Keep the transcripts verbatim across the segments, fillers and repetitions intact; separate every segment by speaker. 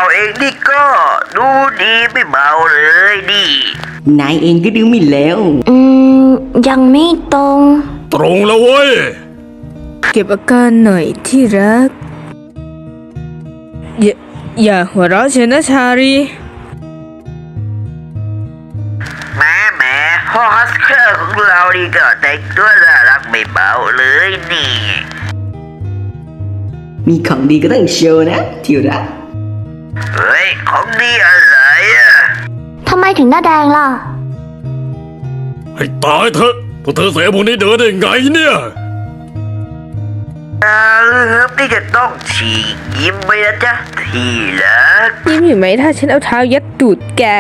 Speaker 1: เองนี่ก็ดูดีไม่เบาเลยดิ
Speaker 2: นายเองก็ดูหมิ่นแล้ว
Speaker 3: อืม ยังไม่ตรง
Speaker 4: ตรงแล้วเว้ย
Speaker 5: เก็บอาการหน่อยที่รัก อย่าอย่าหัวเราะเชียวนะชารี
Speaker 1: แม่แม่ฮอสเคอร์ของเรานี่ก็แต่งตัวน่ารักไม่เบาเลยนี่
Speaker 2: มีของดีก็ต้องโชว์นะที่รัก
Speaker 1: เฮ้ยของดีอะไรอะ
Speaker 3: ทำไมถึงหน้าแดงล่ะ
Speaker 4: ให้ตายเถอะพวกเธอเสียพวกนี้เดินได้ไงเนี่ย
Speaker 1: อาลืมนี่จะต้องฉีกยิ้มไปนะจ๊ะทีรัก
Speaker 5: ยิ้มเห็นไหมถ้าฉันเอาเท้ายัดตูดแก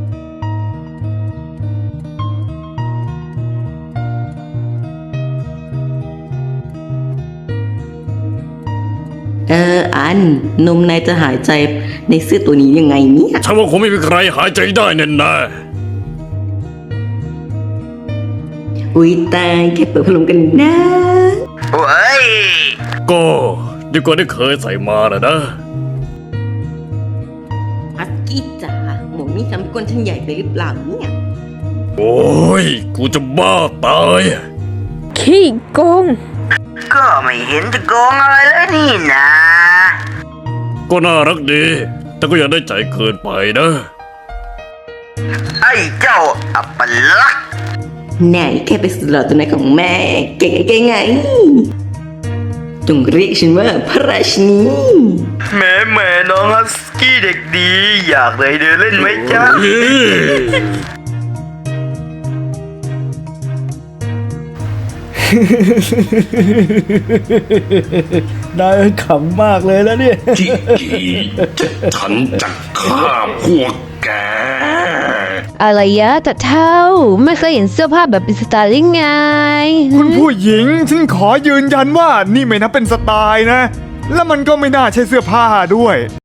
Speaker 2: เอออันนมนายจะหายใจในเสื้อตัวนี้ยังไงเนี่ย
Speaker 4: ฉันว่าคงไม่มีใครหายใจได้แน่แน่
Speaker 2: อุ้ยตายแค่เปิดพัดลมกันนะ
Speaker 1: เฮ้ย
Speaker 4: ก็ดีกว่าที่เคยใส่มานะนะ
Speaker 2: ฮัสกี้จ๋าหมวกนี่ทำก้นฉันใหญ่ไปหรือเปล่าเนี่ย
Speaker 4: โอ้ยกูจะบ้าตาย
Speaker 5: ขี้โกง
Speaker 1: ก็ไม่เห็นจะโกงอะไรเลยนี่นะ
Speaker 4: ก็น่ารักดี แต่ก็อย่าได้ใจเกินไปนะ
Speaker 1: ไอ้เจ้าอัปลักษณ์
Speaker 2: นายแค่ไปนสุดหล่อตัวไหนของแม่เก่งไงไงจงเรียกฉันว่าพระราชินี
Speaker 1: แม่แม่น้องฮัสกี้เด็กดี อยากเลยเดินเล่นไหมจ๊ะ
Speaker 4: เฮ้ย
Speaker 6: นายขำมากเลยแล้วเนี่ย
Speaker 7: จิกีจะฉันจะฆ่าพวกแก
Speaker 8: อะไรยะแต่เท่าไม่เคยเห็นเสื้อผ้าแบบเป็นสไตล์ยังไง
Speaker 6: คุณผู้หญิงฉันขอยืนยันว่านี่ไม่นับเป็นสไตล์นะ และมันก็ไม่น่าใช่เสื้อผ้าด้วย